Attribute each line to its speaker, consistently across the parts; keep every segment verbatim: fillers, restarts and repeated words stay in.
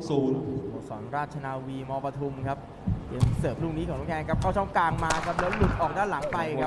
Speaker 1: ศูนย์
Speaker 2: สโมสรราชนาวีมปทุมครับเกมเสิร์ฟลูกนี้ของน้องแกนครับเข้าช่องกลางมาครับแล้วหลุดออกด้านหลังไปครับ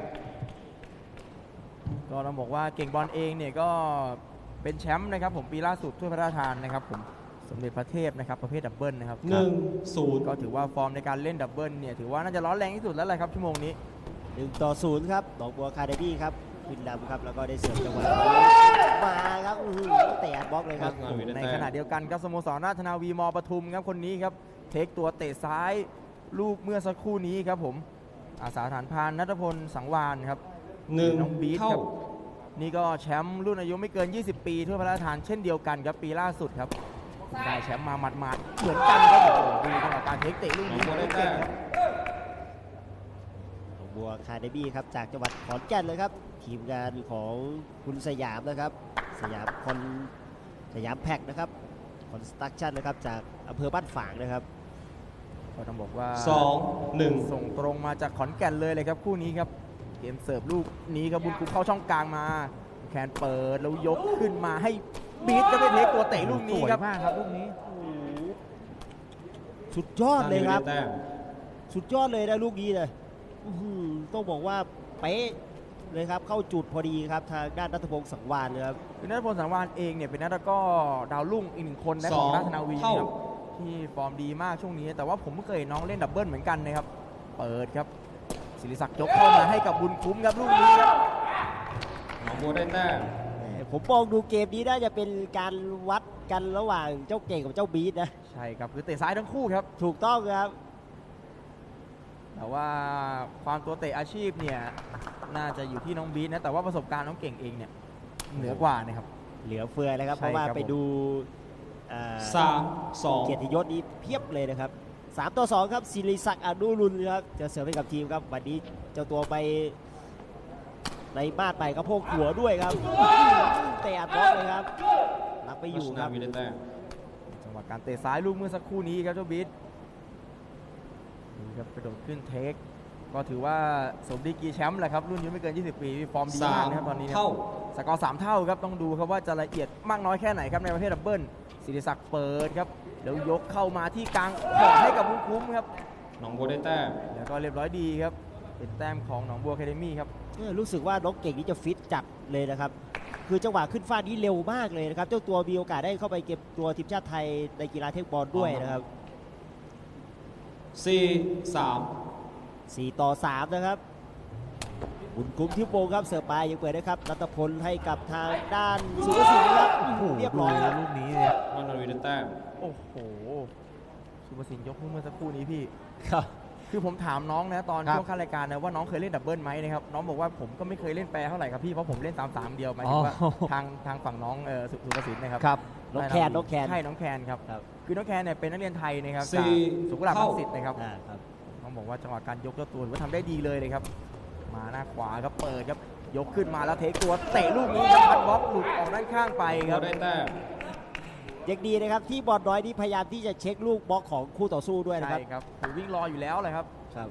Speaker 2: ก็เราบอกว่าเก่งบอลเองเนี่ยก็เป็นแชมป์นะครับผมปีล่าสุดถ้วยพระราชทานนะครับผมสมเด็จพระเทพนะครับประเภทดับเบิลนะครับ
Speaker 1: หนึ่งศูนย์
Speaker 2: ก็ถือว่าฟอร์มในการเล่นดับเบิลเนี่ยถือว่าน่าจะร้อนแรงที่สุดแล้วแหละครับชั่วโมงนี้
Speaker 3: หนึ่งต่อศูนย์ครับหนองบัวคาเดมี่ครับขึ้นนำครับแล้วก็ได้เสิร์ฟจังหวะมาครับเตะอัดบล็อกเลยครับ
Speaker 2: ในขณะเดียวกันครับสโมสรราชนาวีมปทุมครับคนนี้ครับเทคตัวเตะซ้ายลูกเมื่อสักครู่นี้ครับผมอาสาฐานพานณัฐพลสังวานครับ
Speaker 1: หนึ่ง
Speaker 2: น้องบีทครับนี่ก็แชมป์รุ่นอายุไม่เกินยี่สิบปีถ้วยพระราชทานเช่นเดียวกันครับปีล่าสุดครับได้แชมป์มาหมาดๆเหมือนกันครับดูจังหวะการเทคเตะลูกนี้ได้เก่งครับ
Speaker 3: บัวคาเดมี่ครับจากจังหวัดขอนแก่นเลยครับทีมงานของคุณสยามนะครับสยามคอนสยามแพ็กนะครับคอนสตรักชั่นนะครับจากอำเภอบ้านฝางนะครับ
Speaker 2: ก็ต้องบอกว่า
Speaker 1: สองหนึ่ง
Speaker 2: ส่งตรงมาจากขอนแก่นเลยเลยครับคู่นี้ครับเกมเสิร์ฟลูกนี้ครับบุญคุ้มเข้าช่องกลางมาแขนเปิดแล้วยกขึ้นมาให้บีทก็ได้เทคตัวเตะลูกนี้ครับ
Speaker 3: มากครับลูกนี้สุดยอดเลยครับสุดยอดเลยนะลูกนี้เลยต้องบอกว่าเป๊ะเลยครับเข้าจุดพอดีครับทางด้านณัฐพงศ์สังวานเลยครับ
Speaker 2: คือณัฐพงศ์สังวานเองเนี่ยเป็นนักตะกร้อดาวรุ่งอีกหนึ่งคนในของราชนาวีครับที่ฟอร์มดีมากช่วงนี้แต่ว่าผมไม่เคยน้องเล่นดับเบิลเหมือนกันนะครับเปิดครับศิริศักดิ์ยกเข้ามาให้กับบุญคุ้มครับลูกนี้ครับ
Speaker 1: หนองบัวได้แต้ม
Speaker 3: ผมมองดูเกมนี้น่าจะเป็นการวัดกันระหว่างเจ้าเก่งกับเจ้าบีทนะ
Speaker 2: ใช่ครับคือเตะซ้ายทั้งคู่ครับ
Speaker 3: ถูกต้องครับ
Speaker 2: แต่ว่าความตัวเตะอาชีพเนี่ยน่าจะอยู่ที่น้องบีทนะแต่ว่าประสบการณ์น้องเก่งเองเนี่ยเหนือกว่านะครับ
Speaker 3: เหลือเฟือเลยครับเพราะว่าไปดู
Speaker 1: สามสอง
Speaker 3: เกียรติยศนี้เพียบเลยนะครับสามต่อสองครับศิริศักดิ์อนุรุณครับจะเสิร์ฟให้กับทีมครับวันนี้เจ้าตัวไปในบ้านไปกระโพกหัวด้วยครับเตะอัดบล็อกเลยครับรับไปอยู่ครับ
Speaker 2: จังหวะการเตะซ้ายลูกเมื่อสักครู่นี้ครับเจ้าบีทนี่ครับกระโดดขึ้นเทคก็ถือว่าสมดีกรีแชมป์แหละครับรุ่นอายุไม่เกินยี่สิบปีฟอร์มดีมากนะครับตอนนี้
Speaker 1: เท่า
Speaker 2: สกอร์สามเท่าครับต้องดูครับว่าจะละเอียดมากน้อยแค่ไหนครับในประเภทดับเบิลศิริศักดิ์เปิดครับแล้วยกเข้ามาที่กลางขอให้กับบุญคุ้มครับ
Speaker 1: หนองบัวได้แต้ม
Speaker 2: แล้วก็เรียบร้อยดีครับเป็นแต้มของหนองบัวแคเดมี่ครับ
Speaker 3: รู้สึกว่าน้องเก่งนี่จะฟิตจัดเลยนะครับคือจังหวะขึ้นฟาดนี้เร็วมากเลยนะครับเจ้าตัวมีโอกาสได้เข้าไปเก็บตัวทีมชาติไทยในกีฬาเทคบอลด้วยนะครับ
Speaker 1: สี่สาม
Speaker 3: สี่ต่อสามนะครับบุญคุ้มทิพย์วงครับเสิร์ฟไปยังเปิดได้ครับรัตพลให้กับทางด้านสุภสินครับเรียบร้อย
Speaker 2: ลูกนี้เนี่ย
Speaker 1: มันนาวีได้แต้ม
Speaker 2: โอ้โหสุภสินยกเมื่อสักครู่นี้พี่
Speaker 3: ครับ
Speaker 2: คือผมถามน้องนะตอนช่วงขั้นรายการนะว่าน้องเคยเล่นดับเบิลไหมนะครับน้องบอกว่าผมก็ไม่เคยเล่นแปรเท่าไหร่ครับพี่เพราะผมเล่นสามสามเดียวหมายถึงว่าทางทางฝั่งน้องเออสุภสินนะครับ
Speaker 3: ครับน้องแคนน้องแคน
Speaker 2: ใช่น้องแคนครับคือน้องแคนเนี่ยเป็นนักเรียนไทยนะครับจากสุขุมวิทรังสิตนะครับต้องบอกว่าจังหวะการยกเจ้าตัวว่าทำได้ดีเลยเลยครับมาหน้าขวาครับเปิดครับยกขึ้นมาแล้วเทคตัวเตะลูกนี้ครับพัดบล็อกหลุดออกด้านข้างไปครับ
Speaker 1: ได้แต้ม
Speaker 3: ยังดีนะครับที่บอลน้อยนี่พยายามที่จะเช็คลูกบล็อกของคู่ต่อสู้ด้วยนะครับ
Speaker 2: ใช่ครับคือวิ่งรออยู่แล้วเลยครับ
Speaker 3: ครับ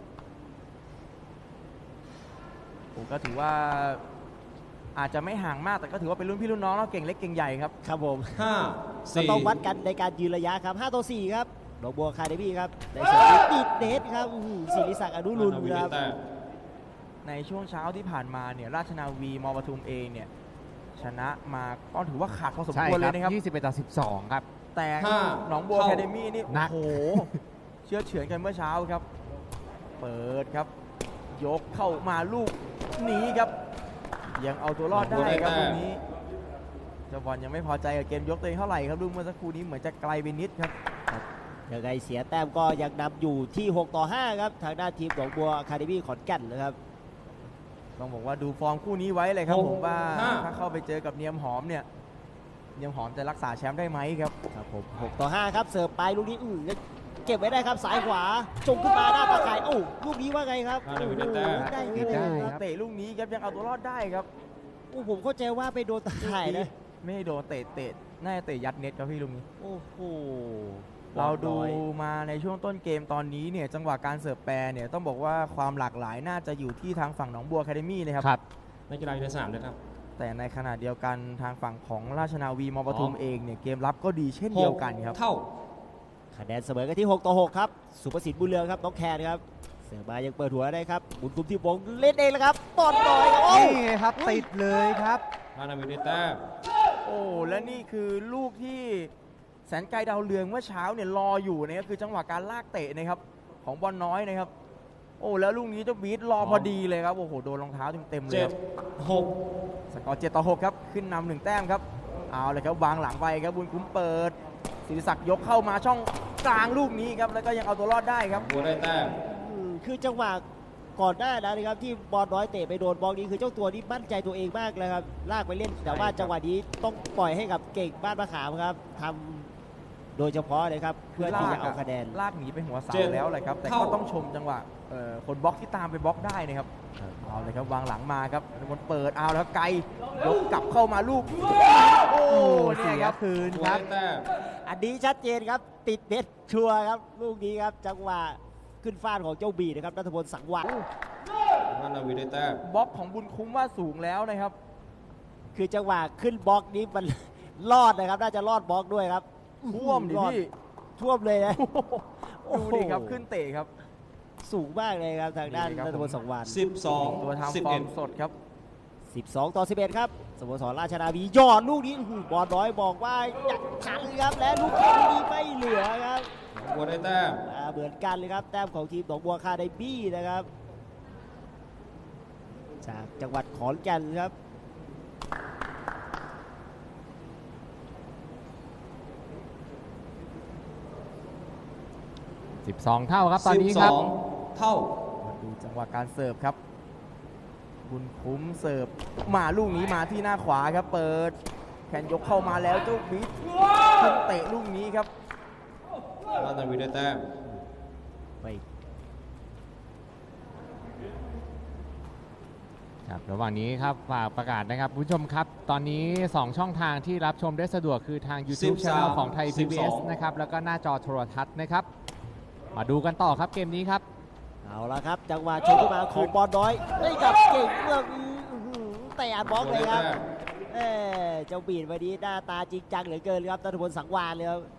Speaker 2: ผมก็ถือว่าอาจจะไม่ห่างมากแต่ก็ถือว่าเป็นรุ่นพี่รุ่นน้องแล้วเก่งเล็กเก่งใหญ่ครับ
Speaker 3: ครับผม
Speaker 1: ห้า
Speaker 3: สี่ต้องวัดกันในการยืนระยะครับห้าต่อสี่ครับหนองบัวคาเดมี่ครับในเสิร์ฟติดเน็ตครับศิริศักดิ์อนุรุณครับ
Speaker 2: ในช่วงเช้าที่ผ่านมาเนี่ยราชนาวีมปทุมเองเนี่ยชนะมาก็ถือว่าขาดพอสมควรเลยนะครับ
Speaker 3: ยี่สิบเอ็ดต่อสิบสองครับ
Speaker 2: แต่หนองบัวแคเดมี่นี่โอ้โหเชื่อเฉือนกันเมื่อเช้าครับเปิดครับยกเข้ามาลูกนี้ครับยังเอาตัวรอดได้ครับตรงนี้เจ้าบอลยังไม่พอใจกับเกมยกตัวเองเท่าไหร่ครับลูกเมื่อสักครู่นี้เหมือนจะไกลไปนิดครับ
Speaker 3: ยังไงเสียแต้มก็ยังนำอยู่ที่หกต่อห้าครับทางด้านทีมหนองบัวอะคาเดมี่ขอนแก่นนะครับ
Speaker 2: ต้องบอกว่าดูฟอร์มคู่นี้ไว้เลยครับผมว่าถ้าเข้าไปเจอกับเนียมหอมเนี่ยเนียมหอมจะรักษาแชมป์ได้ไหมครับ
Speaker 3: ครับผมหกต่อห้าครับเสิร์ฟไปลูกนี้อือเก็บไว้ได้ครับสายขวาจงขึ้นมาหน้าตาข่ายโอ้ลูกนี้ว่าไงครับ
Speaker 2: ได้ได้เตะลูกนี้ครับยังเอาตัวรอดได้ครับ
Speaker 3: โอ้ผมเข้าใจว่าไปโดนตาข่ายนะ
Speaker 2: ไม่โดนเตะเตะน่าจะเตะยัดเน็ตครับพี่ลูกนี้
Speaker 3: โอ้โห
Speaker 2: เราดูมาในช่วงต้นเกมตอนนี้เนี่ยจังหวะการเสิร์ฟแปรเนี่ยต้องบอกว่าความหลากหลายน่าจะอยู่ที่ทางฝั่งหนองบัวแคเดมี่นะครับ
Speaker 1: ครับนักกีฬาอยู่ในสนามด้วยครับ
Speaker 2: แต่ในขณะเดียวกันทางฝั่งของราชนาวีมปทุมเองเนี่ยเกมรับก็ดีเช่นเดียวกันครับ
Speaker 1: เท่า
Speaker 3: คะแนนเสมอกันที่หกต่อหกครับสุภสิทธิ์บุญเรืองครับน้องแคนครับเสือมายังเปิดหัวได้ครับบุญคุ้มที่วงเล่นเองแล้วครับบอลลอยครับโอ้
Speaker 2: นี่ไงครับติดเลยครับ
Speaker 1: ราชนาวีได้แต้ม
Speaker 2: โอ้และนี่คือลูกที่แสนไกลดาวเรืองเมื่อเช้าเนี่ยรออยู่นะครับคือจังหวะการลากเตะนะครับของบอลน้อยนะครับโอ้แล้วลูกนี้เจ้าบีทรอพอดีเลยครับโอ้โหโดนรองเท้าเต็มๆเลย
Speaker 1: เจ็
Speaker 2: ค
Speaker 1: ด
Speaker 2: รับ
Speaker 1: หก
Speaker 2: สกอร์เจ็ดต่อหกครับขึ้นนำหนึ่งแต้มครับเอาเลยครับวางหลังไปครับบุญคุ้มเปิดศิริศักดิ์ยกเข้ามาช่องกลางลูกนี้ครับแล้วก็ยังเอาตัวรอดได้ครับ
Speaker 1: บัวได้แต้ม
Speaker 3: อืมคือจังหวะก่อนหน้านั้นนะครับที่บอลน้อยเตะไปโดนบอลนี้คือเจ้าตัวนี้มั่นใจตัวเองมากเลยครับลากไปเล่นแต่ว่าจังหวะนี้ต้องปล่อยให้กับเก่งบ้านมะขามครับทำโดยเฉพาะเลยครับเพื่อที่จะเอาคะแนน
Speaker 2: ลากหนีไปหัวเสาแล้วเลยครับแต่ก็ต้องชมจังหวะเอ่อคนบล็อกที่ตามไปบล็อกได้นะครับ
Speaker 3: ครับ
Speaker 2: เอาเลยครับวางหลังมาครับบอลเปิดเอาแล้วครับไกลยกกลับเข้ามาลูกโอ้เนี่ยครับคืน
Speaker 1: บัว
Speaker 2: ครับ
Speaker 1: ได้แต้ม
Speaker 3: อันนี้ชัดเจนครับติดเน็ตชัวร์ครับลูกนี้ครับจังหวะขึ้นฟาดของเจ้าบีนะครับนัทพลสังวร
Speaker 1: ราชนาวีได้แต้ม
Speaker 2: บล็อกของบุญคุ้มว่าสูงแล้วนะครับ
Speaker 3: คือจังหวะขึ้นบล็อกนี้มัน รอดนะครับน่าจะรอดบล็อกด้วยครับ
Speaker 2: ท่วมดิ
Speaker 3: รอ
Speaker 2: พี่
Speaker 3: ท่วมเลยนะ
Speaker 2: ดูดิครับขึ้นเตะครับ
Speaker 3: สูงมากเลยครับทางด้าน
Speaker 2: นี่ครับ
Speaker 3: นัทพลสังวร
Speaker 1: สิบสอง
Speaker 2: ตัว
Speaker 1: สิบ
Speaker 2: ทำฟอ
Speaker 1: เอ็
Speaker 2: ร์
Speaker 1: ด
Speaker 2: มสดครับ
Speaker 3: สิบสองต่อสิบเอ็ดครับสโมสรราชนาวียอดลูกนี้อื้อหือบอลน้อยบอกว่าอยากทันครับและลูกนี้ไม่เหลือครับ
Speaker 1: บัวได้แต้ม
Speaker 3: อ่าเหมือนกันเลยครับแต้มของทีมหนองบัวคาไดบี้นะครับจากจังหวัดขอนแก่นครับ
Speaker 4: สิบสอง เท่าครับตอนนี้
Speaker 1: สิบ
Speaker 4: ค
Speaker 1: ส
Speaker 4: รับ
Speaker 1: องเท่า
Speaker 2: มาดูจังหวะการเสิร์ฟครับ บุญคุ้มเสิร์ฟมาลูกนี้มาที่หน้าขวาครับ เปิดแขนยกเข้ามาแล้วเจ้าบิ๊กขึ้นเตะลูกนี้ครับ
Speaker 1: ราชนาวีได้แต้ม
Speaker 3: ไป
Speaker 4: ครับระหว่างนี้ครับฝากประกาศนะครับคุณผู้ชมครับ ตอนนี้ สอง ช่องทางที่รับชมได้สะดวกคือทาง YouTube Channel ของไทย พี บี เอส นะครับแล้วก็หน้าจอโทรทัศน์นะครับ มาดูกันต่อครับเกมนี้ครับ
Speaker 3: เอาละครับจังหวะชนขึ้นมาของบอลน้อยได้กับเก่งเมืองอื้อหือเตะอัดบล็อกเลยครับ
Speaker 1: บัวได้แต้ม
Speaker 3: เอ้เจ้าบีดวันนี้หน้าตาจริงจังเหลือเกินครับนัทพลสังวานเลยครับ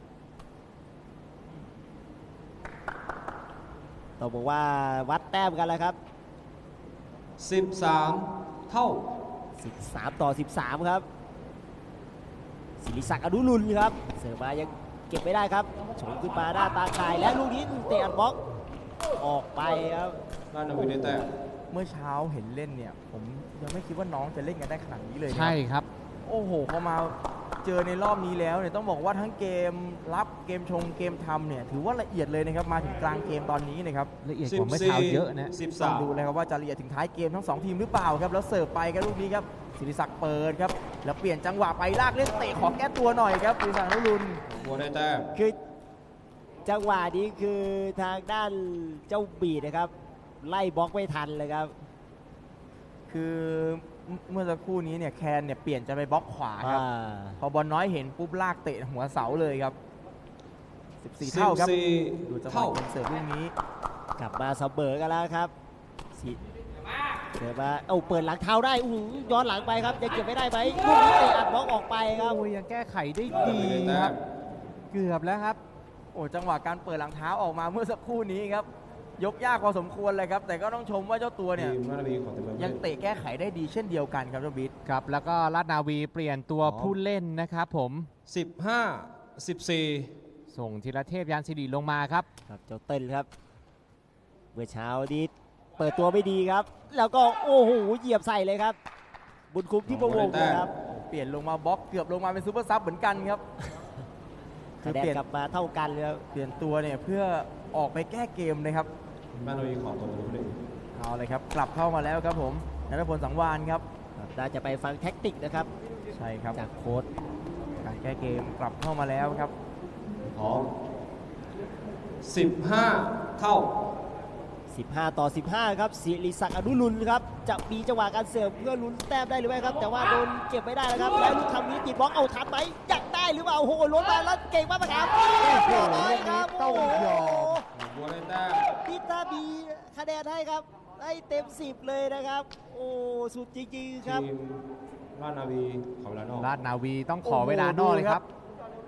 Speaker 3: ต้องบอกว่าวัดแต้มกันแล้วครับ
Speaker 1: สิบสามเท่า
Speaker 3: สิบสามต่อสิบสามครับศิริศักดิ์อนุรุณครับเสิร์ฟมายังเก็บไม่ได้ครับฉงขึ้นมาหน้าตาข่ายและลูกนี้เตะอัดบล็อกออกไปครับ
Speaker 1: ราชนาวีได้แต้ม
Speaker 2: เมื่อเช้าเห็นเล่นเนี่ย ผมยังไม่คิดว่าน้องจะเล่นกันได้ขนาดนี้เลยนะ
Speaker 4: ใช่ครับ
Speaker 2: โอ้โหพอมาเจอในรอบนี้แล้วเนี่ยต้องบอกว่าทั้งเกมรับเกมชงเกมทำเนี่ยถือว่าละเอียดเลยนะครับมาถึงกลางเกมตอนนี้นะครับ
Speaker 4: ละเอียด
Speaker 1: สิ
Speaker 4: ก
Speaker 1: บ
Speaker 4: ว่าเมื่อ
Speaker 1: สี่
Speaker 4: เช้าเยอะนะ
Speaker 1: สิบ
Speaker 2: ต้อ
Speaker 1: สาง ม
Speaker 2: ดูเลยครับว่าจะละเอียดถึงท้ายเกมทั้งสองทีมหรือเปล่าครับแล้วเสิร์ฟไปครับลูกนี้ครับศิริศักดิ์เปิดครับแล้วเปลี่ยนจังหวะไปลากเล่นเตะขอแก้ตัวหน่อยครับศิริศักดิ์อนุรุณ
Speaker 1: บัวได้แต้ม
Speaker 3: คือจังหวะนี้คือทางด้านเจ้าบีดนะครับไล่บล็อกไม่ทันเลยครับ
Speaker 2: คือเมื่อสักครู่นี้เนี่ยแคนเนี่ยเปลี่ยนจะไปบล็อกขวาครับ
Speaker 3: อ่า
Speaker 2: พอบอลน้อยเห็นปุ๊บลากเตะหัวเสาเลยครับสิบสี่เท่าครับ
Speaker 1: สิบสี่
Speaker 2: ดูจังหวะ
Speaker 1: เท่า
Speaker 2: การเสิร์ฟลูกนี้
Speaker 3: กลับมาเสมอกันแล้วครับสิเสือมาเอาเปิดหลังเท้าได้อู้หูย้อนหลังไปครับยังเก็บไม่ได้ไหมลูกนี้เตะอัดบล็อกออกไปครับ
Speaker 4: โอ้ยยังแก้ไขได้
Speaker 1: ราช
Speaker 4: ดี
Speaker 1: นาวีได้
Speaker 4: ค
Speaker 1: แต้
Speaker 4: รับ
Speaker 1: ม
Speaker 4: เกือบแล้วครับ
Speaker 2: โอ้จังหวะการเปิดหลังเท้าออกมาเมื่อสักครู่นี้ครับยกยากพอสมควรเลยครับแต่ก็ต้องชมว่าเจ้าตัวเนี่ย
Speaker 1: ทีมราชนาวีของเต็มเลย
Speaker 2: ยังเตะแก้ไขได้ดีเช่นเดียวกันครับเจ้าบิ๊ก
Speaker 4: ครับแล้วก็ราชนาวีเปลี่ยนตัวผู้เล่นนะครับผม
Speaker 1: สิบห้าสิบสี่
Speaker 4: ส่งธีรเทพยานสิริลงมาครับ
Speaker 3: ครับเจ้าเต้นครับเมื่อเช้านี้เปิดตัวไม่ดีครับ แล้วก็โอ้โหเหยียบใส่เลยครับ บุญคุ้มที่ประวงนะครับ
Speaker 2: เปลี่ยนลงมาบล็อกเกือบลงมาเป็นซูเปอร์ซับเหมือนกันครับ
Speaker 3: คะแนน
Speaker 2: เปลี่ยน
Speaker 3: กลับมาเท่ากันเลยครับ
Speaker 2: เปลี่ยนตัวเนี่ยเพื่อออกไปแก้เกมนะครับ
Speaker 1: ราชนาวีของตัวผู้เล่น
Speaker 2: เอาเลยครับกลับเข้ามาแล้วครับผมนัทพลสังวานครับ
Speaker 3: ครับน่าจะไปฟังแท็กติกนะครับ
Speaker 2: ใช่ครับ
Speaker 3: จากโค้ช
Speaker 2: การแก้เกมกลับเข้ามาแล้วครับ
Speaker 1: พร้อมสิบห้าเท่า
Speaker 3: สิบห้าต่อสิบห้าครับศิริศักดิ์อนุรุณครับจะมีจังหวะการเสิร์ฟเพื่อลุ้นแต้มได้หรือไม่ครับ แต่ว่าโดนเก็บไม่ได้แล้วครับแล้วลูกทำนี้ติดบล็อกเอาทันไหมอยากได้หรือเปล่าโอ้โหล้มมาแล้วเก่งมากครับเรียบร้อยครับ
Speaker 2: ต้
Speaker 3: โอ้
Speaker 2: อง
Speaker 3: โห
Speaker 2: ยอม
Speaker 1: บัวได้แต้ม
Speaker 3: พิตาบีคะแนนให้ครับให้เต็มสิบเลยนะครับ โอ้สุดจริงๆครับ
Speaker 1: ทีมราชนาวีของลานอก
Speaker 4: ราชนาวีต้องขอเวลานอกเลยครับ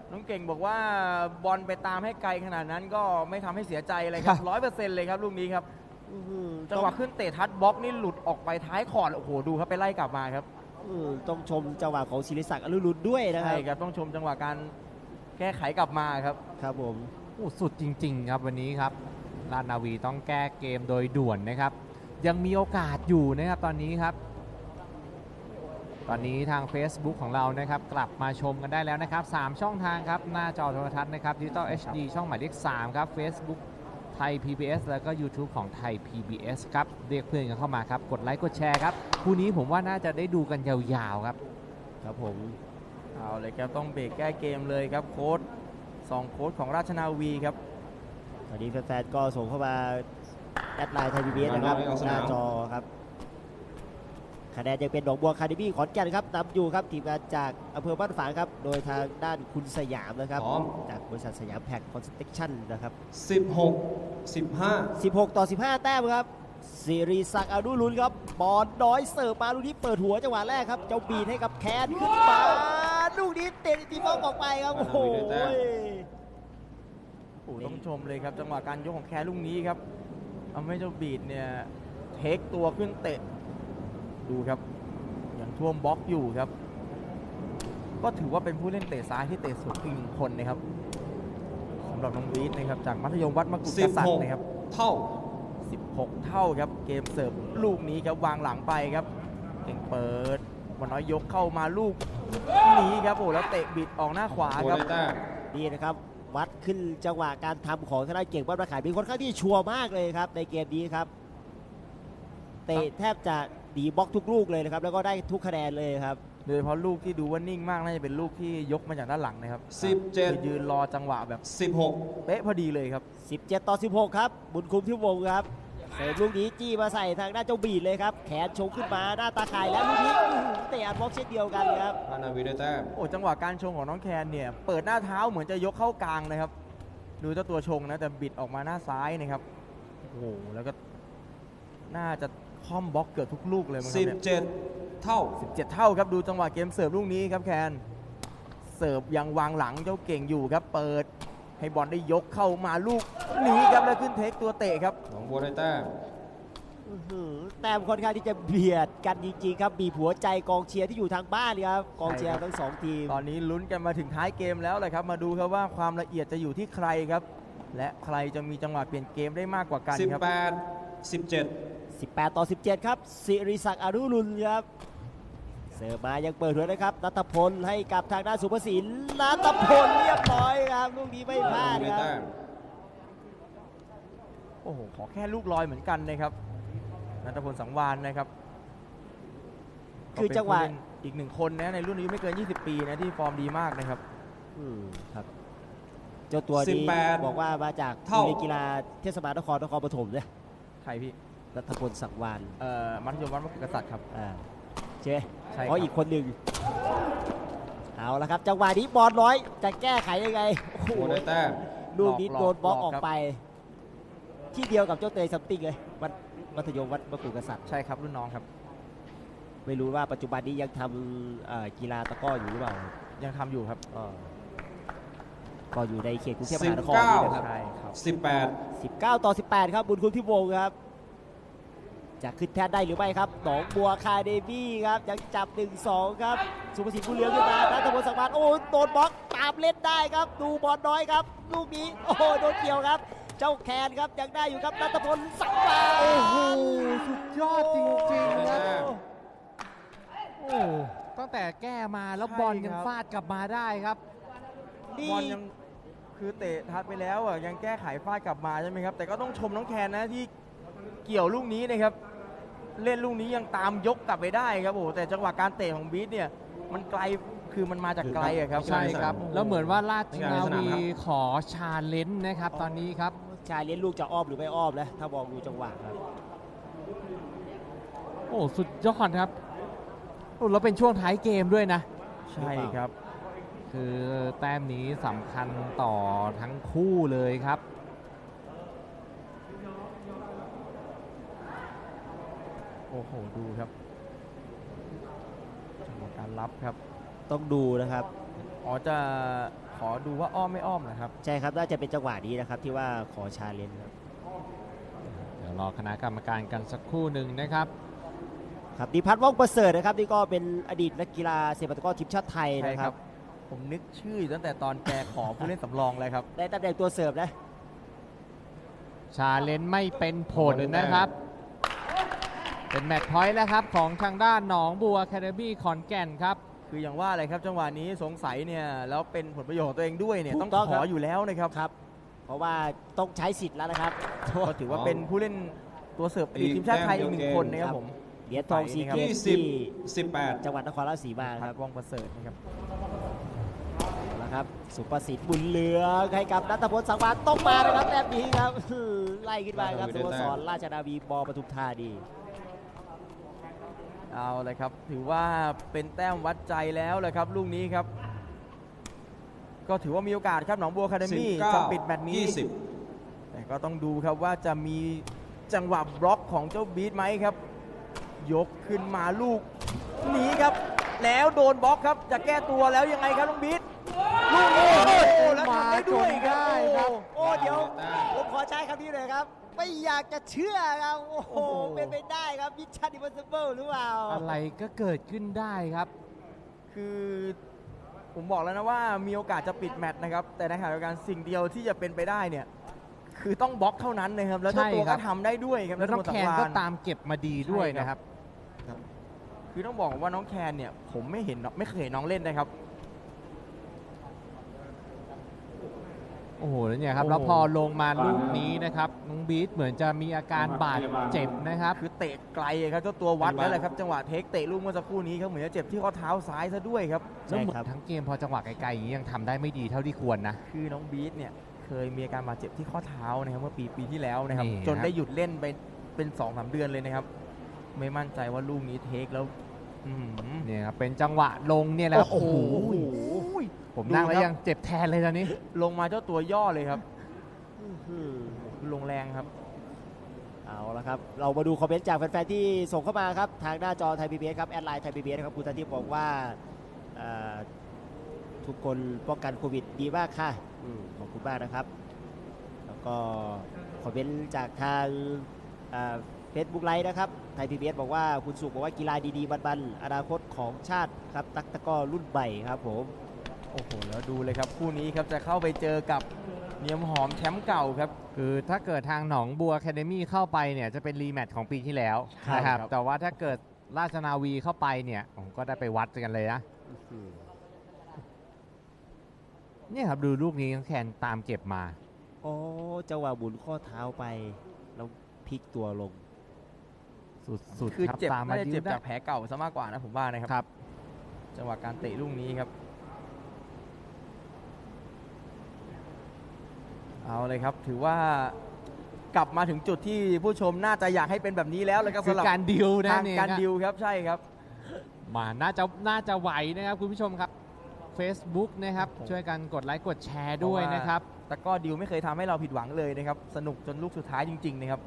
Speaker 2: น้องเก่งบอกว่าบอลไปตามให้ไกลขนาดนั้นก็ไม่ทำให้เสียใจเลยครับร้อยเปอร์เซ็นต์เลยครับลูกนี้ครับ
Speaker 3: อื้อหือ
Speaker 2: จังหวะขึ้นเตะทัดบล็อกนี่หลุดออกไปท้ายคอร์ดโอ้โหดูครับไปไล่กลับมาครับ
Speaker 3: อืมต้องชมจังหวะของศิริศักดิ์อรุณด้วยนะค
Speaker 2: ใช่
Speaker 3: รับ
Speaker 2: ครับต้องชมจังหวะการแก้ไขกลับมาครับ
Speaker 3: ครับผม
Speaker 4: โอ้สุดจริง ๆ ครับวันนี้ครับราชนาวีต้องแก้เกมโดยด่วนนะครับ ยังมีโอกาสอยู่นะครับตอนนี้ครับ ตอนนี้ทาง Facebook ของเรานะครับกลับมาชมกันได้แล้วนะครับสามช่องทางครับหน้าจอโทรทัศน์นะครับดิจิตอล เอช ดี ช่องหมายเลขสามครับ Facebook ไทย พี บี เอส แล้วก็ YouTube ของไทย พี บี เอส ครับเรียกเพื่อนกันเข้ามาครับกดไลค์กดแชร์ครับคู่นี้ผมว่าน่าจะได้ดูกันยาวๆครับ
Speaker 3: ครับผม
Speaker 2: เอาเลยครับต้องเบรกแก้เกมเลยครับโค้ชสองโค้ชของราชนาวีครับ
Speaker 3: ตอนนี้แฟนๆก็ส่งเข้ามาแอดไลน์ไทยพีบีเอสนะครับ
Speaker 1: มาน้อยเอาส
Speaker 3: ห
Speaker 1: นาม
Speaker 3: น้าจอครับคะแนนยังเป็นหนองบัวคาเดมี่ขอนแก่นครับนำอยู่ครับทีมงานจากอำเภอบ้านฝางครับโดยทางด้านคุณสยามนะครับ
Speaker 1: พร้อม
Speaker 3: จากบริษัทสยามแพ็คคอนสตรักชั่นนะครับ
Speaker 1: สิบหก สิบห้า
Speaker 3: สิบหกต่อสิบห้าแต้มครับสิริศักดิ์อนุรุณครับบอลน้อยเสิร์ฟมาลูกนี้เปิดหัวจังหวะแรกครับเจ้าบีดให้กับแคนขึ้นมาลูกนี้เตะตีบอลออกไปครับโอ้โห
Speaker 2: โอ้ต้องชมเลยครับจังหวะการยกของแคร์ลูกนี้ครับทำให้เจ้าบีดเนี่ยเทคตัวขึ้นเตะดูครับยังท่วมบล็อกอยู่ครับ ก็ถือว่าเป็นผู้เล่นเตะซ้ายที่เตะสูงอีกหนึ่งคนนะครับสำหรับน้องบีดนะครับจากมัธยมวัดมกุฎ
Speaker 1: สิ
Speaker 2: ก
Speaker 1: บ
Speaker 2: ษัต
Speaker 1: ห
Speaker 2: ริ
Speaker 1: ก
Speaker 2: ย์นะครับ
Speaker 1: เท่า
Speaker 2: สิบหก เท่าครับเกมเสิร์ฟลูกนี้ครับวางหลังไปครับเก่งเปิดวันน้อยยกเข้ามาลูกนี้ครับโอ้แล้วเตะบิดออกหน้าขวา
Speaker 1: โบ
Speaker 2: ครับ
Speaker 1: ได้แต้ม
Speaker 3: นี่นะครับวัดขึ้นจังหวะการทำของทางด้านเก่งบ้านประขายเป็นค่อนข้างที่ชัวร์มากเลยครับในเกมนี้ครับเตะแทบจะดีบล็อกทุกลูกเลยนะครับแล้วก็ได้ทุกคะแนนเลยครับ
Speaker 2: โดยเฉพาะลูกที่ดูว่านิ่งมากน่าจะเป็นลูกที่ยกมาจากด้านหลังนะครับ
Speaker 1: สิบเจ็ด
Speaker 2: คือยืนรอจังหวะแบบ
Speaker 1: สิบหก
Speaker 2: เป๊ะพอดีเลยครับ
Speaker 3: สิบเจ็ดต่อสิบหกครับบุญคุมที่วงครับเสิร์ฟลูกนี้จี้มาใส่ทางด้านเจ้าบีดเลยครับแขนชงขึ้นมาหน้าตาข่ายแล้วลูกนี้อื้อหือเตะอัดบล็อกเช่นเดียวกันครับ
Speaker 1: ราชนาวีได้แต้ม
Speaker 2: โอ้จังหวะการชงของน้องแคนเนี่ยเปิดหน้าเท้าเหมือนจะยกเข้ากลางนะครับ ดูเจ้าตัวชงนะแต่บิดออกมาหน้าซ้ายนะครับโอ้โหแล้วก็น่าจะค่อมบล็อกเกือบทุกลูกเลยมั้งค
Speaker 1: สิ
Speaker 2: รับบ เนี่ย
Speaker 1: เจ็ดเท่า
Speaker 2: สิบเจ็ด เท่าครับดูจังหวะเกมเสิร์ฟลูกนี้ครับแคนเสิร์ฟยังวางหลังเจ้าเก่งอยู่ครับเปิดให้บอลได้ยกเข้ามาลูกนี้ครับแล้วขึ้นเทคตัวเตะครับ
Speaker 1: หนองบัวได้แต้ม
Speaker 3: อื้อหือแต้มค่อนข้างที่จะเบียดกันจริงๆครับบีบหัวใจกองเชียร์ที่อยู่ทางบ้านครับกองเชียร์ทั้งสองทีม
Speaker 2: ตอนนี้ลุ้นกันมาถึงท้ายเกมแล้วเลยครับมาดูครับว่าความละเอียดจะอยู่ที่ใครครับ และใครจะมีจังหวะเปลี่ยนเกมได้มากกว่ากัน
Speaker 1: สิบ
Speaker 2: ครับ
Speaker 1: แปด สิบเจ็ด
Speaker 3: สิบแปดต่อสิบเจ็ดครับสิริศักดิ์อนุรุณครับเสิร์ฟมายังเปิดหัวนะครับนัทพลให้กับทางด้านสุภศิลป์นัทพลเรียบร้อยครับลูกนี้ไม่พลาด
Speaker 1: ได้
Speaker 3: ครับ
Speaker 1: แต้ม
Speaker 2: โอ้โหขอแค่ลูกลอยเหมือนกันนะครับนัทพลสังวานนะครับ
Speaker 3: คือจังหวะ
Speaker 2: ก็เป็นผู้เล่นอีกหนึ่งคนนะในรุ่นอายุไม่เกิน ยี่สิบ ปีนะที่ฟอร์มดีมากนะครับ
Speaker 3: อืมครับเจ้าตัว
Speaker 1: สิบ
Speaker 3: นี้
Speaker 1: แปด
Speaker 3: บอกว่ามาจาก
Speaker 1: เท่า
Speaker 3: โรงเรียนกีฬาเทศบาลนครนครปฐมเนี่ย
Speaker 2: ใครพี่
Speaker 3: นัทพลสังวาน
Speaker 2: เอ่อมัธยมวัดมกุฎกษัตริย์ครับ
Speaker 3: อ่าใช่ไหม
Speaker 2: ใช่ครับ
Speaker 3: เพราะอีกคนหนึ่งเอาละครับจังหวะนี้บอลร้อยจะแก้ไขยังไงโอ้โห
Speaker 1: โบได้แต้ม
Speaker 3: ลูกนี้โดนบล็อก
Speaker 2: หลอก
Speaker 3: ออก
Speaker 2: ครับ
Speaker 3: ไป ที่เดียวกับเจ้าเตยซัมติงเลยวัดมัธยมวัดมกุฎกษัตริย์
Speaker 2: ใช่ครับรุ่นน้องครับ
Speaker 3: ไม่รู้ว่าปัจจุบันนี้ยังทำเอ่อกีฬาตะกร้ออยู่หรือเปล่า
Speaker 2: ยังทำอยู่ครับ
Speaker 3: ก็ก็อยู่ในเขตกรุงเทพม
Speaker 1: สิบ
Speaker 3: หานคร
Speaker 1: เก้า
Speaker 3: นี่นะครับ
Speaker 2: ใช่ครับ
Speaker 1: สิบแปด
Speaker 3: สิบเก้าต่อสิบแปดครับบุญคุณที่วงครับจะขึ้นแทนได้หรือไม่ครับหนองบัวคาเดมี่ครับยังจับ หนึ่งสอง ครับสุภสิทธิ์ผู้เหลืองขึ้นมานัทพลสังวานโอ้โดนบล็อกตามเล่นได้ครับดูบอลน้อยครับลูกนี้โอ้โหโดนเกี่ยวครับ เจ้าแคนครับยังได้อยู่ครับนัทพลสังวาน
Speaker 4: โอ้โหสุดยอดจริงๆ
Speaker 1: ได้
Speaker 4: ครับ
Speaker 1: แต้ม
Speaker 4: โอ้ตั้งแต่แก้มาแล้ว
Speaker 2: ใช่
Speaker 4: บอลยัง
Speaker 2: ครับ
Speaker 4: ฟาดกลับมาได้ครับ
Speaker 3: นี่
Speaker 2: บอลยังคือเตะทัดไปแล้วอ่ะยังแก้ไขฟาดกลับมาใช่ไหมครับแต่ก็ต้องชมน้องแคนนะที่เกี่ยวลูกนี้นะครับ เล่นลูกนี้ยังตามยกกลับไปได้ครับโอ้โหแต่จังหวะการเตะของบีทเนี่ยมันไกลคือมันมาจากไกลอะครับ
Speaker 4: ใช่ครับ แล้วเหมือนว่าราชนาวีขอชาเลนจ์นะครับตอนนี้ครับ
Speaker 3: ชายเลี้ยงลูกจะอ้อมหรือไม่อ้อมนะถ้ามองดูจังหวะครับ
Speaker 4: โอ้สุดยอดครับโอ้แล้วเป็นช่วงท้ายเกมด้วยนะ
Speaker 2: ใช่ครับ
Speaker 4: คือแต้มนี้สำคัญต่อทั้งคู่เลยครับ
Speaker 2: โอ้โหดูครับจังหวะการรับครับ
Speaker 3: ต้องดูนะครับ
Speaker 2: อ๋อจะขอดูว่าอ้อมไม่อ้อมนะครับ
Speaker 3: ใช่ครับน่าจะเป็นจังหวะนี้นะครับที่ว่าขอชาเลนจ์ครับ
Speaker 4: เดี๋ยวรอคณะกรรมการกันสักครู่หนึ่งนะครับ
Speaker 3: ครับดิพัฒน์ว่องประเสริฐนะครับนี่ก็เป็นอดีตนักกีฬาเซปัตะกร้อทีมชาติไทย
Speaker 2: ใช่
Speaker 3: นะค
Speaker 2: ค
Speaker 3: รั
Speaker 2: รับ บ ผมนึกชื่ออยู่ตั้งแต่ตอนแกขอผู้เล่นสำรองเลยครับ
Speaker 3: ได้ตำแหน่งตัวเสิร์ฟนะ
Speaker 4: ชาเลนจ์ไม่เป็นผลนะครับ เป็นแมตช์พอยต์แล้วครับของทางด้านหนองบัวแคเดมี่ขอนแก่นครับ
Speaker 2: คืออย่างว่าอะไรครับจังหวะนี้สงสัยเนี่ยแล้วเป็นผลประโยชน์ของตัวเองด้วยเนี่ย
Speaker 3: ถูก
Speaker 2: ต้อง
Speaker 3: ต้อง
Speaker 2: ข
Speaker 3: ครั
Speaker 2: อบ อยู่แล้วนะครับ
Speaker 3: ครับ เพราะว่าต้องใช้สิทธิ์แล้วนะครับ
Speaker 2: ก็ถือว่าเป็นผู้เล่นตัวเสิร์ฟอดีตทีมชาติไทยอีกหนึ่งคนนะครับผม
Speaker 3: เหรียญทองซีเกม
Speaker 1: ยี่
Speaker 3: ส์
Speaker 1: สิบ
Speaker 3: ที่
Speaker 1: สิบแปด
Speaker 3: จังหวัดนครราชสีมาค
Speaker 2: พั
Speaker 3: รั
Speaker 2: ด
Speaker 3: บ
Speaker 2: ว่องประเสริฐนะครับ
Speaker 3: นะครับสุประสิทธิ์บุญเหลืองให้กับนัทพลสังวานต้องมานะครับแบบนี้ครับ ไล่ขึ้นมาครับสโมสรราชนาวีบปทุมธานี
Speaker 2: เอาเลยครับถือว่าเป็นแต้มวัดใจแล้วเลยครับลูกนี้ครับ ก็ถือว่ามีโอกาสครับหนองบัวคาเดมี่
Speaker 1: สิบเก้า
Speaker 2: จะปิดแมตช์นี้
Speaker 1: ยี่สิบ
Speaker 2: แต่ก็ต้องดูครับว่าจะมีจังหวะบล็อกของเจ้าบีทไหมครับ ยกขึ้นมาลูกนี้ครับ แล้วโดนบล็อกครับจะแก้ตัวแล้วยังไงครับน้องบีทลูกนี้โอ้โหแล้วทำได้ด้วยครับ
Speaker 3: มาจนได้ครับ
Speaker 2: โอ้
Speaker 3: โอ้เดี๋ยวผมขอใช้คำนี้เลยครับ ไม่อยากจะเชื่อครับโอ้โห
Speaker 2: โอ้โห
Speaker 3: เป็นไปได้ครับมิชชั่นอิมพอสซิเบิลหรือเปล่า
Speaker 4: อะไรก็เกิดขึ้นได้ครับ
Speaker 2: คือผมบอกแล้วนะว่ามีโอกาสจะปิดแมตช์นะครับ แต่ในขณะเดียวกันสิ่งเดียวที่จะเป็นไปได้เนี่ยคือต้องบล็อกเท่านั้นนะครับแล้วเจ้าตัว
Speaker 4: ใช่ครั
Speaker 2: ก็
Speaker 4: บ
Speaker 2: ทำได้ด้วยครับ
Speaker 4: แล้วน้อง
Speaker 2: นัทพ
Speaker 4: แค
Speaker 2: ล
Speaker 4: น
Speaker 2: สังวา
Speaker 4: ก็ตามเก็บมาดีด้วยนะครับ
Speaker 2: คือต้องบอกว่าน้องแคนเนี่ยผมไม่เห็นไม่เคยเห็นน้องเล่นนะครับ
Speaker 4: โอ้โหแล้วเนี่ยครับ
Speaker 2: โอ้โห
Speaker 4: แล้วพอลงมาลูกนี้นะครับน้องบีทเหมือนจะมีอาการบาดเจ็บนะครับ
Speaker 2: คือเตะไกลครับเจ้าตัววัดแล้วแหละครับจังหวะเทคเตะลูกเมื่อสักครู่นี้ครับเหมือนจะเจ็บที่ข้อเท้าซ้ายซะด้วยครับ
Speaker 3: ใช่
Speaker 4: แล้วเหมือ
Speaker 3: ครับ
Speaker 4: นทั้งเกมพอจังหวะไกลๆอย่างนี้ยังทำได้ไม่ดีเท่าที่ควรนะ
Speaker 2: คือน้องบีทเนี่ยเคยมีอาการบาดเจ็บที่ข้อเท้านะครับเมื่อปีปีที่แล้วนะครับ
Speaker 4: นี่ครับ
Speaker 2: จนได้หยุดเล่นไปเป็นสองสามเดือนเลยนะครับ ไม่มั่นใจว่าลูกนี้เทคแล้วอื้อหือ
Speaker 4: เนี่ยครับเป็นจังหวะลงเนี่ยแหละครับ
Speaker 2: โอ้โห
Speaker 4: ผมนั่งแล้ว
Speaker 2: ดูครับ
Speaker 4: ยังเจ็บแทนเลยตอนนี้
Speaker 2: ลงมาเจ้าตัวย่อเลยครับ
Speaker 3: อื้อหือ
Speaker 2: ลงแรงครับ
Speaker 3: เอาละครับ เรามาดูคอมเมนต์จากแฟนๆที่ส่งเข้ามาครับ ทางหน้าจอไทยพีบีเอสครับแอดไลน์ไทยพีบีเอสครับคุณธนทิพย์บอกว่าเอ่อทุกคนป้องกันโควิดดีมากค่ะอืมขอบคุณมากนะครับ แล้วก็คอมเมนต์จากทางเฟซบุ๊กไลฟ์นะครับไทยพีบีเอสบอกว่าคุณสุขบอกว่ากีฬาดีๆบันๆอนาคตของชาติครับตักตะกร้อรุ่นใหม่ครับผม
Speaker 2: โอ้โหแล้วดูเลยครับคู่นี้ครับจะเข้าไปเจอกับเนียมหอมแชมป์เก่าครับ
Speaker 4: คือถ้าเกิดทางหนองบัวแคเดมี่เข้าไปเนี่ยจะเป็นรีแมตช์ของปีที่แล้ว
Speaker 2: ครับ
Speaker 4: นะครับ
Speaker 2: ครับ
Speaker 4: แต่ว่าถ้าเกิดราชนาวีเข้าไปเนี่ยผมก็ได้ไปวัดกันเลยนะเนี่ยครับดูลูกนี้น้องแคนตามเก็บมา
Speaker 3: โอ้จังหวะหมุนข้อเท้าไปแล้วพลิกตัวลง
Speaker 4: สุด
Speaker 2: คือ
Speaker 4: ๆครับ
Speaker 2: เจ็บ
Speaker 4: ตามมา
Speaker 2: น่าจะ
Speaker 4: ยื
Speaker 2: เจ็บ
Speaker 4: ดได้
Speaker 2: จากแผลเก่าซะมากกว่านะผมว่านะครับ
Speaker 4: ครับ
Speaker 2: จังหวะการเตะลูกนี้ครับ เอาเลยครับ ถือว่ากลับมาถึงจุดที่ผู้ชมน่าจะอยากให้เป็นแบบนี้แล้วเลยครับ
Speaker 4: คือ
Speaker 2: สำหรับ
Speaker 4: การดิวนะ
Speaker 2: ทาง
Speaker 4: เนี่ย
Speaker 2: การ
Speaker 4: ครับ
Speaker 2: ดิวครับใช่ครับ
Speaker 4: มาน่าจะน่าจะไหวนะครับคุณผู้ชมครับ Facebook นะครับ
Speaker 2: ผม
Speaker 4: ช่วยกันกดไลค์กดแชร์ด้วยนะครับ
Speaker 2: แต่ก็ดิวไม่เคยทำให้เราผิดหวังเลยนะครับ สนุกจนลูกสุดท้ายจริง ๆ นะครับ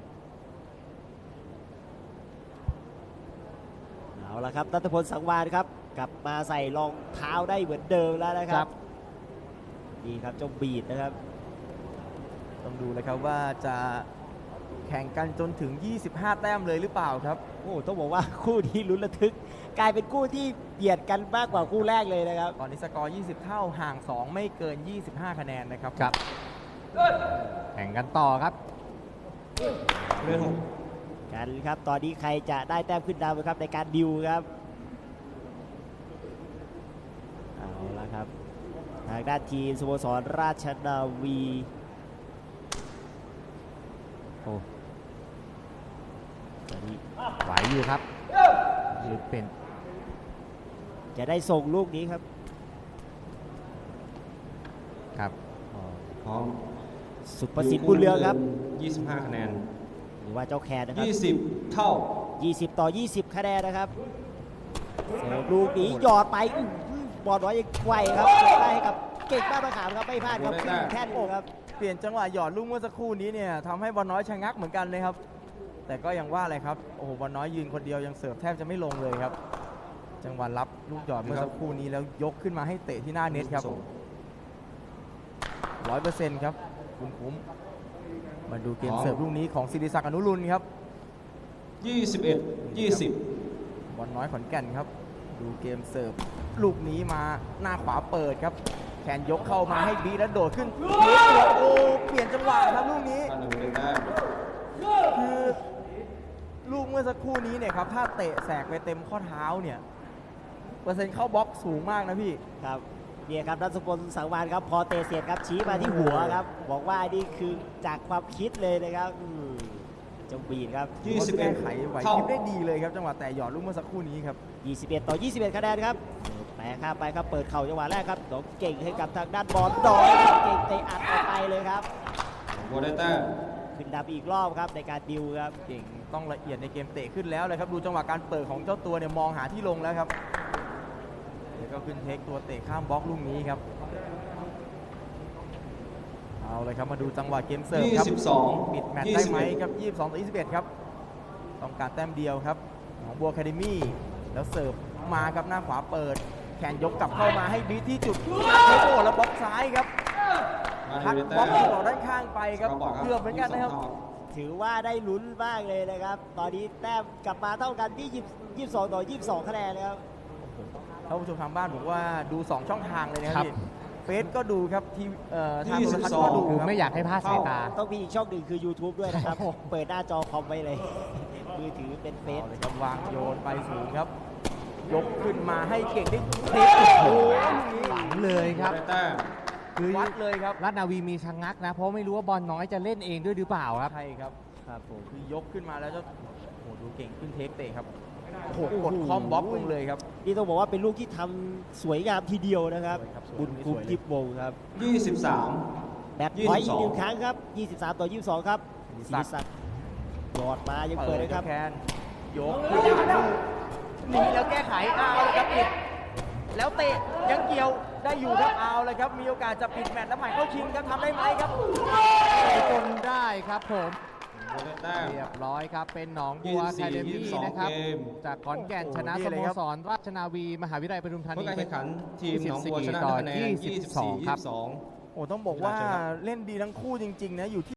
Speaker 3: เอาละครับนัทพลสังวานครับ กลับมาใส่รองเท้าได้เหมือนเดิมแล้วนะค
Speaker 4: ครั
Speaker 3: รับบ นี่ครับเจ้าบีดนะครับ
Speaker 2: ต้องดูเลยครับว่าจะแข่งกันจนถึง ยี่สิบห้า แต้มเลยหรือเปล่าครับ
Speaker 3: โอ้ต้องบอกว่าคู่นี้ลุ้นระทึก กลายเป็นคู่ที่เบียดกันมากกว่าคู่แรกเลยนะครับ
Speaker 2: ตอนนี้สกอร์ ยี่สิบ เท่าห่าง สอง ไม่เกิน ยี่สิบห้า คะแนนนะครับ
Speaker 4: ครับ แข่งกันต่อครับ
Speaker 1: เรื่องหก
Speaker 3: กันครับตอนนี้ใครจะได้แต้มขึ้นนำครับในการดิวครับเอาละครับทางด้านทีมสโมสรราชนาวีโอ้ตอนนี้
Speaker 4: ไหวอยู่ครับหรือเป็น
Speaker 3: จะได้ส่งลูกนี้ครับ
Speaker 4: ครับ
Speaker 1: พร้อม
Speaker 3: สุประสิทธิ์บุญเรืองครับ
Speaker 1: ยี่สิบห้าคะแนน
Speaker 3: หรือว่าเจ้าแคนนะครับ
Speaker 1: ยี่สิบเท่า
Speaker 3: ยี่สิบ ต่อ ยี่สิบ คะแนนนะครับเสิร์ฟลูกนี้หยอดไปอื้อหือบอลน้อยยังไวครับเก็บได้ให้กับเก่งบ้านมะขามครับไม่พลาดครับขึ้นแท่นเลยครับ
Speaker 2: เปลี่ยนจังหวะหยอดลูกเมื่อสักครู่นี้เนี่ยทำให้บอลน้อยชะงักเหมือนกันเลยครับ แต่ก็ยังว่าอะไรครับ โอ้โหบอลน้อยยืนคนเดียวยังเสิร์ฟแทบจะไม่ลงเลยครับ จังหวะรับลูกหยอดเมื่อสักครู่นี้แล้วยกขึ้นมาให้เตะที่หน้าเน็ตครับร้อยเปอร์เซ็นต์ครับคุณคุ้มมาดูเกมเสิร์ฟลูกนี้ของศิริศักดิ์อนุรุณครับ
Speaker 1: ยี่สิบเอ็ด ยี่สิบ
Speaker 2: บอลน้อยขอนแก่นครับดูเกมเสิร์ฟลูกนี้มาหน้าขวาเปิดครับแขนยกเข้ามาให้บีแล้วโดดขึ้นโอ้เปลี่ยนจังหวะครับลูกนี้
Speaker 1: ท่าเรือได้แต้ม
Speaker 2: คือลูกเมื่อสักครู่นี้เนี่ยครับถ้าเตะแสกไปเต็มข้อเท้าเนี่ยเปอร์เซ็นต์เข้าบล็อกสูงมากนะพี่
Speaker 3: ครับเนี่ยครับรัศพลสังวานครับพอเตะเสียดครับชี้มาที่หัวครับบอกว่านี่คือจากความคิดเลยนะครับอืมจงบีนครับ
Speaker 1: ยี่สิบเอ็
Speaker 2: แก้
Speaker 1: ด
Speaker 2: ไขไหว
Speaker 1: เท่า
Speaker 2: พริบได้ดีเลยครับจังหวะแต่หยอดลูกเมื่อสักครู่นี้ครับ
Speaker 3: ยี่สิบเอ็ด ต่อ ยี่สิบเอ็ด คะแนนครับแปะข้ามไปครับเปิดเข่าจังหวะแรกครับน้องเก่งให้กับทางด้านบอลดอยครับเก่งเตะอัดออกไปเลยครับ
Speaker 1: บัวได้แต้ม
Speaker 3: ขึ้นนำอีกรอบครับในการดิวครับ
Speaker 2: เก่งต้องละเอียดในเกมเตะขึ้นแล้วเลยครับดูจังหวะการเปิดของเจ้าตัวเนี่ยมองหาที่ลงแล้วครับแล้วก็ขึ้นเทคตัวเตะข้ามบล็อกลูกนี้ครับเอาเลยครับมาดูจังหวะเกมเสิร์ฟ
Speaker 1: ยี่
Speaker 2: ครับ
Speaker 1: สิบสอง
Speaker 2: ปิดแมตช์
Speaker 1: ยี่
Speaker 2: ได้
Speaker 1: สิบ
Speaker 2: ไหม
Speaker 1: เอ็ด
Speaker 2: ครับยี่สิบสองต่อยี่สิบเอ็ดครับต้องการแต้มเดียวครับหนองบัวแคเดมี่แล้วเสิร์ฟมาครับหน้าขวาเปิดแขนยกกลับเข้ามาให้บีทที่จุดโอ้โหแล้วบล็อกซ้ายครับ
Speaker 1: มา
Speaker 2: พัก
Speaker 1: เรือบ
Speaker 2: ล็
Speaker 1: ได้
Speaker 2: อก
Speaker 1: แต้ม
Speaker 2: ออกด้านข้างไปครับ
Speaker 1: สกร์บร์ด
Speaker 2: เกือบเหมือนกันนะครับ
Speaker 1: ยี่สิบสองเท่า
Speaker 3: ถือว่าได้ลุ้นมากเลยนะครับ ตอนนี้แต้มกลับมาเท่ากันที่ยี่สิบสอง ต่อ ยี่สิบสอง คะแนนนะครับ
Speaker 2: ท่านผู้ชมทางบ้านบอกว่าดูสองช่องทางเลยนะค
Speaker 4: ครั
Speaker 2: รับบ พี่เฟซก็ดูครับทีเอ่อทาง
Speaker 1: ยี่
Speaker 2: โท
Speaker 1: สิ
Speaker 2: ร
Speaker 1: บ
Speaker 2: ทัศ
Speaker 1: ส
Speaker 2: น์
Speaker 1: อง
Speaker 2: ก็ดู
Speaker 4: คือ
Speaker 2: ครับ
Speaker 4: ไม่อยากให้พลาดสายตา
Speaker 3: ต้องมีอีกช่องหนึ่งคือ YouTube ด้วยนะครับ
Speaker 2: โอ้โห
Speaker 3: เปิดหน้าจอคอมไว้เลย มือถือเป็นเฟซ
Speaker 2: เอาเลยครับวางโยนไปสูงครับ ยกขึ้นมาให้เก่งได้เทคโอ้โหลูกนี้
Speaker 4: หวังเลยครับ
Speaker 1: ได้แต้ม
Speaker 4: คือ
Speaker 2: วัดเลยครับ
Speaker 4: ราชนาวีมีชะงักนะ เพราะไม่รู้ว่าบอลน้อยจะเล่นเองด้วยหรือเปล่าครับ
Speaker 2: ใช่ครับครับผมคือยกขึ้นมาแล้วจะโอ้โหดูเก่งขึ้นเทคเตะครับโอ้โหกดคอมบล็อกลงเลยครับ
Speaker 3: นี่ต้องบอกว่าเป็นลูกที่ทำสวยงามทีเดียวนะครับ
Speaker 2: สวยครับสวย
Speaker 3: บุญคุ้ม
Speaker 2: สวยเลย
Speaker 3: ทิพย์วงศ์ครับ
Speaker 1: ยี่สิบสาม
Speaker 3: แบตพอยต์อีกหนึ่ง
Speaker 1: ยี่สิบสอง
Speaker 3: ครั้งครับ ยี่สิบสาม ต่อ ยี่สิบสอง ครับ
Speaker 2: ศิ
Speaker 3: ศิ
Speaker 2: ริ
Speaker 3: ริ
Speaker 2: ศั
Speaker 3: ศั
Speaker 2: ก
Speaker 3: ก
Speaker 2: ดิ์
Speaker 3: ดิ์หยอดมายังเปิดเลยครับ
Speaker 2: แคนยกขึ้นมาลูกหนีแล้วแก้ไขเอาเลยครับปิดแล้วเตะยังเกี่ยวได้อยู่ครับเอาเลยครับมีโอกาสจะปิดแมตช์แล้วหมายเข้าชิงครับทำได้ไหมครับ
Speaker 4: จนได้ครับผม
Speaker 1: บัวได้แต้ม
Speaker 4: เรียบร้อยครับ เป็นหนองบัว
Speaker 1: ยี่สิบสี่
Speaker 4: แคเด
Speaker 1: ยี่
Speaker 4: มี่
Speaker 1: สิบสอง
Speaker 4: นะครับ
Speaker 1: เกม
Speaker 4: จากขอนแก่น
Speaker 2: โอ้โห
Speaker 4: ชนะ
Speaker 2: นี่
Speaker 4: ส
Speaker 2: เลย
Speaker 4: โม
Speaker 2: ครับ
Speaker 4: สรราชนาวี มหาวิทยาลัยปทุมธา
Speaker 1: เมื่อ
Speaker 4: นี
Speaker 1: การแข่งขันทีมหนองบัวชนะ
Speaker 4: ต่อ
Speaker 1: คะแนน
Speaker 4: ยี่สิบสอง
Speaker 1: ยี่สิบสี่
Speaker 4: ครับ
Speaker 1: ยี่สิบสอง
Speaker 2: โอ้ต้องบอกว่าเล่นดีทั้งคู่จริงๆนะอยู่ที่